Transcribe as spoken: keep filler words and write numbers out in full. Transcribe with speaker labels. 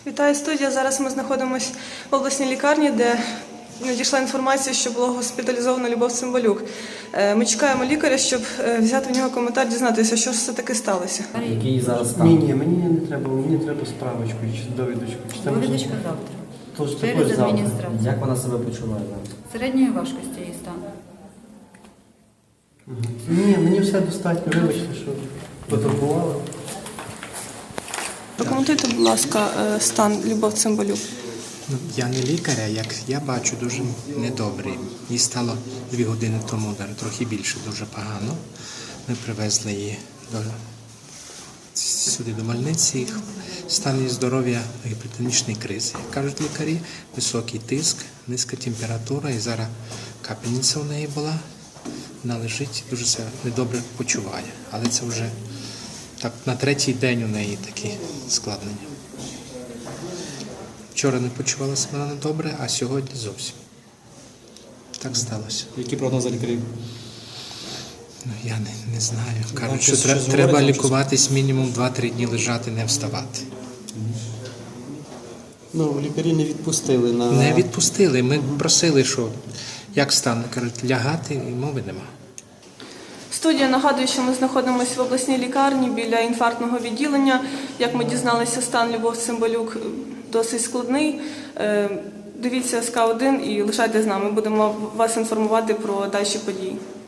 Speaker 1: Вітаю, студія. Зараз ми знаходимося в обласній лікарні, де надійшла інформація, що було госпіталізовано Любов Цимбалюк. Ми чекаємо лікаря, щоб взяти в нього коментар, дізнатися, що ж все-таки сталося.
Speaker 2: Який зараз стан?
Speaker 3: Ні, ні, мені не треба, мені треба справочку чи довідочку. Чи там
Speaker 4: Довідочка завтра.
Speaker 3: Тож
Speaker 4: Через
Speaker 3: також завтра.
Speaker 4: адміністрацію.
Speaker 2: Як вона себе почуває зараз?
Speaker 4: Середньої важкості її стан.
Speaker 3: Ні, мені все достатньо, вибачте, що потурбували.
Speaker 1: Прокоментуйте, будь ласка, стан Любов Цимбалюк.
Speaker 5: Ну, я не лікар, а як я бачу, дуже недобрий. Їй стало дві години тому, трохи більше, дуже погано. Ми привезли її до, сюди до больниці. Стан її здоров'я гіпертонічної кризи. Як кажуть лікарі, високий тиск, низька температура і зараз капельниця у неї була. Вона лежить, дуже себе недобре почуває. Але це вже так, на третій день у неї такі складнення. Вчора не почувала себе недобре, а сьогодні зовсім. Так сталося.
Speaker 2: Які прогнози лікарів?
Speaker 5: Ну, я не, не знаю. Кажуть,
Speaker 2: щось-
Speaker 5: що тре-
Speaker 2: щось
Speaker 5: треба
Speaker 2: говорять,
Speaker 5: лікуватись мінімум два-три дні лежати, не вставати.
Speaker 3: Ну, лікарі не відпустили на...
Speaker 5: Не відпустили. Ми просили, що як стане, кажуть, лягати, і мови нема.
Speaker 1: Студія нагадує, що ми знаходимося в обласній лікарні біля інфарктного відділення. Як ми дізналися, стан Любов Цимбалюк досить складний. Дивіться ес ка один і лишайтесь з нами. Будемо вас інформувати про дальші події.